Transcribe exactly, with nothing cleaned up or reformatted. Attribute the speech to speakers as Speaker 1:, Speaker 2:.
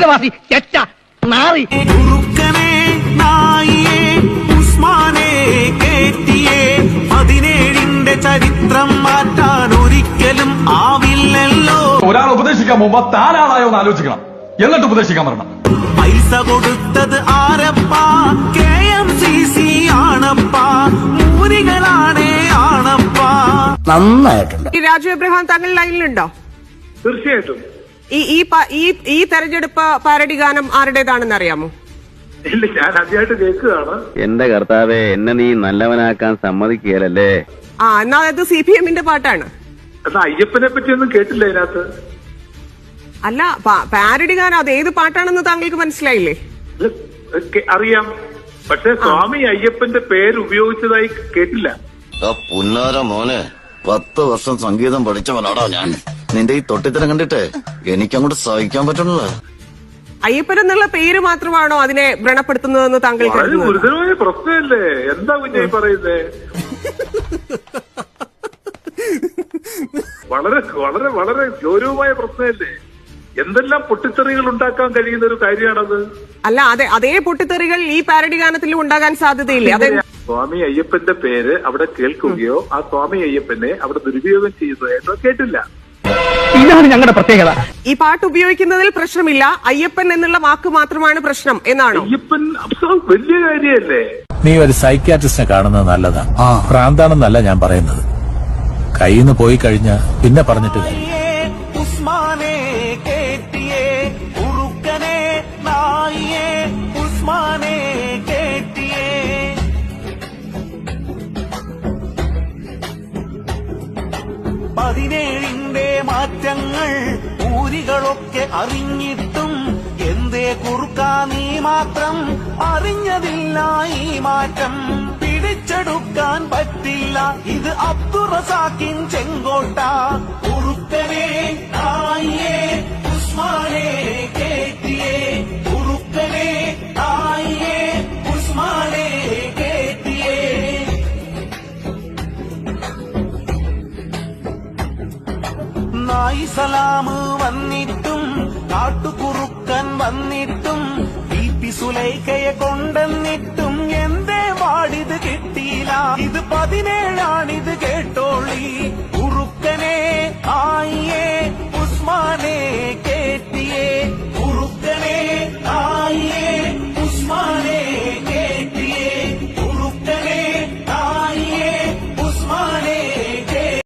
Speaker 1: അന്തേവാസി ചെറ്റ നാറി
Speaker 2: ഉസ്മാനെ കേറ്റിയേ പതിനേഴിന്റെ ചരിത്രം മാറ്റാൻ ഒരിക്കലും ആവില്ലല്ലോ.
Speaker 3: ഒരാൾ ഉപദേശിക്കാൻ പോകുമ്പോ താനാളായോ എന്ന് ആലോചിക്കണം, എന്നിട്ട് ഉപദേശിക്കാൻ പറയണം.
Speaker 2: പൈസ കൊടുത്തത് ആരപ്പാ? കെ എം സി സി ആണപ്പാ, മൂരികളാണേ ആണപ്പാ.
Speaker 4: നന്നായിട്ടുണ്ട്.
Speaker 5: ഈ രാജു എബ്രഹാം താങ്കൾ ലൈനിലുണ്ടോ?
Speaker 6: തീർച്ചയായിട്ടും.
Speaker 5: ഈ ഈ ഈ തെരഞ്ഞെടുപ്പ് പാരഡി ഗാനം ആരുടേതാണെന്ന് അറിയാമോ?
Speaker 6: ഇല്ല, ഞാൻ ആദ്യമായിട്ട് കേൾക്കുകയാണ്.
Speaker 7: എന്റെ കർത്താവെ, എന്നെ നീ നല്ലവനാക്കാൻ സമ്മതിക്കുകയല്ലേ.
Speaker 5: ആ, എന്നാ അത് സി പി എമ്മിന്റെ പാട്ടാണ്.
Speaker 6: എന്നാ അയ്യപ്പനെ പറ്റിയൊന്നും കേട്ടില്ല ഇതിനകത്ത്.
Speaker 5: അല്ല, പാരഡി ഗാനം അത് ഏത് പാട്ടാണെന്ന് താങ്കൾക്ക് മനസ്സിലായില്ലേ?
Speaker 6: അറിയാം, പക്ഷെ സ്വാമി അയ്യപ്പന്റെ പേര് ഉപയോഗിച്ചതായി കേട്ടില്ല.
Speaker 8: പുന്നാര മോനെ, പത്ത് വർഷം സംഗീതം പഠിച്ചവനാടാ ഞാൻ. നിന്റെ ഈ തൊട്ടിത്തരം കണ്ടിട്ട് എനിക്കങ്ങോട്ട് സഹിക്കാൻ പറ്റണില്ല.
Speaker 5: അയ്യപ്പൻ എന്നുള്ള പേര് മാത്രമാണോ അതിനെ വ്രണപ്പെടുത്തുന്നതെന്ന് താങ്കൾ കരുതുന്നു?
Speaker 6: ഗുരുതരമായ പ്രശ്നമല്ലേ? എന്താ കുഞ്ഞായി പറയുന്നേ? വളരെ വളരെ വളരെ ഗൗരവമായ പ്രശ്നമല്ലേ? എന്തെല്ലാം പൊട്ടിത്തെറികൾ ഉണ്ടാക്കാൻ കഴിയുന്ന ഒരു കാര്യമാണത്.
Speaker 5: അല്ല, അതെ അതേ പൊട്ടിത്തെറികൾ ഈ പാരഡി ഗാനത്തിലും ഉണ്ടാകാൻ സാധ്യതയില്ലേ? അതെ,
Speaker 6: സ്വാമി അയ്യപ്പന്റെ പേര് അവിടെ കേൾക്കുകയോ ആ സ്വാമി അയ്യപ്പനെ അവിടെ ദുരുപയോഗം ചെയ്യുന്നതായിട്ടോ കേട്ടില്ല.
Speaker 1: ഇതാണ് ഞങ്ങളുടെ പ്രത്യേകത.
Speaker 5: ഈ പാട്ട് ഉപയോഗിക്കുന്നതിൽ പ്രശ്നമില്ല, അയ്യപ്പൻ എന്നുള്ള വാക്ക് മാത്രമാണ് പ്രശ്നം എന്നാണോ?
Speaker 6: അയ്യപ്പൻ വലിയ കാര്യമല്ലേ?
Speaker 9: നീ ഒരു സൈക്യാട്രിസ്റ്റിനെ കാണുന്നത് നല്ലതാ. പ്രാന്താണെന്നല്ല ഞാൻ പറയുന്നത്. കയ്യിൽ നിന്ന് പോയി കഴിഞ്ഞാ പിന്നെ പറഞ്ഞിട്ട് കാര്യം.
Speaker 2: ഉസ്മാനെ കേറ്റിയേ ഉറുക്കനെ നായിയേ ഉസ്മാനെ കേറ്റിയേ. പതിനേഴിന്റെ മാറ്റങ്ങൾ ഊരികളൊക്കെ അറിഞ്ഞിട്ടും എന്തേ കുറുക്കാ നീ മാത്രം അറിഞ്ഞതില്ല ഈ മാറ്റം. പിടിച്ചെടുക്കാൻ പറ്റില്ല ഇത് അബ്ദുറസാക്കിൻ ചെങ്കോട്ട. ഉറുക്കനെ നായിയേ ഉസ്മാനെ കേറ്റിയേ ഉറുക്കനെ നായിയേ ഉസ്മാനെ കേറ്റിയേ. നായി സലാമ് വന്നിട്ടും കാട്ടുകുറുക്കൻ വന്നിട്ടും ബി പി സുലൈഖയെ കൊണ്ടെന്നിട്ടും എന്തേ വാടിത് കിട്ടിയില്ല. ഇത് പതിനേഴാണിത് കേട്ടോളി.